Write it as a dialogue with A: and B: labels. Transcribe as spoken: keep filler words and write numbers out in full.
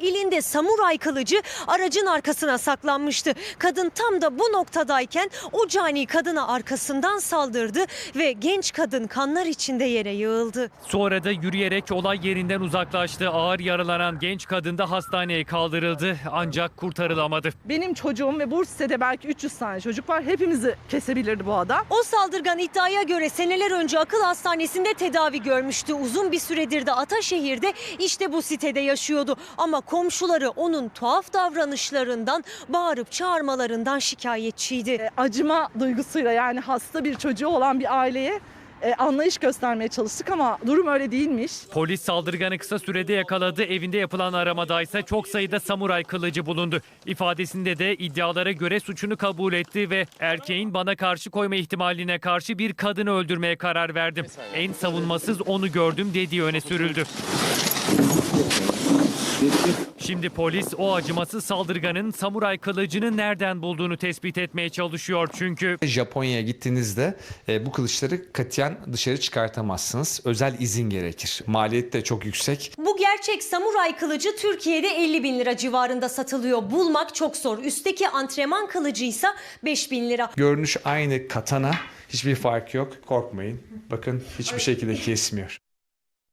A: Elinde samuray kılıcı aracın arkasına saklanmıştı. Kadın tam da bu noktadayken o cani kadına arkasından saldırdı ve genç kadın kanlar içinde yere yığıldı.
B: Sonra da yürüyerek olay yerinden uzaklaştı. Ağır yaralanan genç kadın da hastaneye kaldırıldı ancak kurtarılamadı.
C: Benim çocuğum ve bu sitede belki üç yüz tane çocuk var. Hepimizi kesebilirdi bu adam.
A: O saldırgan iddiaya göre seneler önce akıl hastanesinde tedavi görmüştü. Uzun bir süredir de Ataşehir'de işte bu sitede yaşıyordu. Ama komşuları onun tuhaf davranışlarından, bağırıp çağırmalarından şikayetçiydi.
C: E, acıma duygusuyla, yani hasta bir çocuğu olan bir aileye e, anlayış göstermeye çalıştık ama durum öyle değilmiş.
B: Polis saldırganı kısa sürede yakaladı. Evinde yapılan aramada ise çok sayıda samuray kılıcı bulundu. İfadesinde de iddialara göre suçunu kabul etti ve erkeğin bana karşı koyma ihtimaline karşı bir kadını öldürmeye karar verdim. En savunmasız onu gördüm dediği öne sürüldü. Şimdi polis o acımasız saldırganın samuray kılıcını nereden bulduğunu tespit etmeye çalışıyor çünkü
D: Japonya'ya gittiğinizde e, bu kılıçları katiyen dışarı çıkartamazsınız. Özel izin gerekir. Maliyet de çok yüksek.
A: Bu gerçek samuray kılıcı Türkiye'de elli bin lira civarında satılıyor. Bulmak çok zor. Üstteki antrenman kılıcıysa beş bin lira.
D: Görünüş aynı katana. Hiçbir fark yok. Korkmayın. Bakın hiçbir şekilde kesmiyor.